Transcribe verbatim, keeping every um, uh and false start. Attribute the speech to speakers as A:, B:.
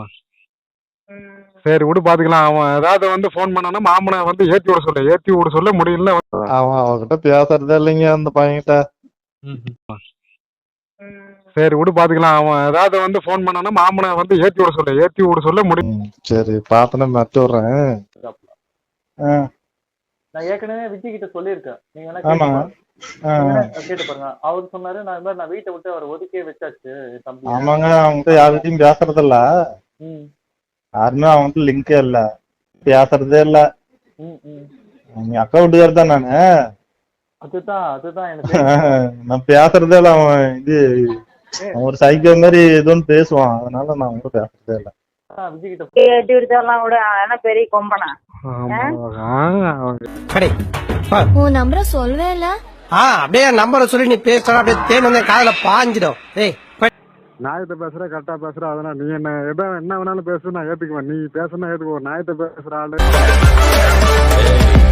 A: சரி விடு பாத்துக்கலாம். அவன் ஏதாவது வந்து போன் பண்ணானா மாமனை வந்து ஏத்தி விட சொல்ல ஏத்தி விட சொல்ல முடியல.
B: அவன் அவகிட்ட பேசுறதே இல்லைங்க அந்த பையன்கிட்ட.
A: சரி விடு பாத்துக்கலாம். அவன் ஏதாவது வந்து போன் பண்ணானா மாமனை வந்து ஏத்தி விட சொல்ல ஏத்தி விட சொல்ல முடியும்.
B: ம், சரி பாத்தன மத்து விடுறேன். ஆ,
C: நான் ஏற்கனவே விஜய் கிட்ட சொல்லியிருக்கேன். நீங்க வேணா
B: ஆமா.
C: கேட்டு பாருங்க.
B: ஆ,
C: நீங்க வேணா கேட்டு பாருங்க. அவர் சொன்னாரு நான் இந்த மாதிரி நான் வீட்டை விட்டு அவர் ஒதுக்கியே வச்சாச்சு என் தம்பியை.
B: ஆமாங்க அவன்கிட்ட யார்கிட்டயும் பேசுறது இல்ல.
C: ம்
B: யாருமே அவன்கிட்ட லிங்கே இல்ல, பேசுறதே இல்ல.
C: ம் ம்
B: நீ அக்கா வீட்டுக்காரர் தான் நானு.
C: அதுதான் அதுதான் எனக்கு தெரியும்.
B: நான் பேசுறதே இல்ல. அவன் இது அவன் ஒரு சைக்கோ மாதிரி எதுவும் பேசுவான், அதனால நான் வந்து பேசுறதே இல்ல.
C: ஆ, விஜய் கிட்ட
D: ஏத்தி விடுதெல்லாம் விட ஆனா பெரிய கொம்பனா
E: உன் நம்பரை சொல்லவே இல்ல.
F: ஆ அப்படியே நம்பரை சொல்லி நீ பேசுற அப்படியே தேன் வந்து காதுல பாஞ்சிடும். ஏய்
A: நாயத்தை பேசுற கரெக்டா பேசுற, அதனால நீ என்ன எதா என்ன வேணாலும் பேசு, நான் ஏத்துக்குவேன். நீ பேசுனா ஏத்துக்குவோம். நாயத்தை பேசுற ஆளு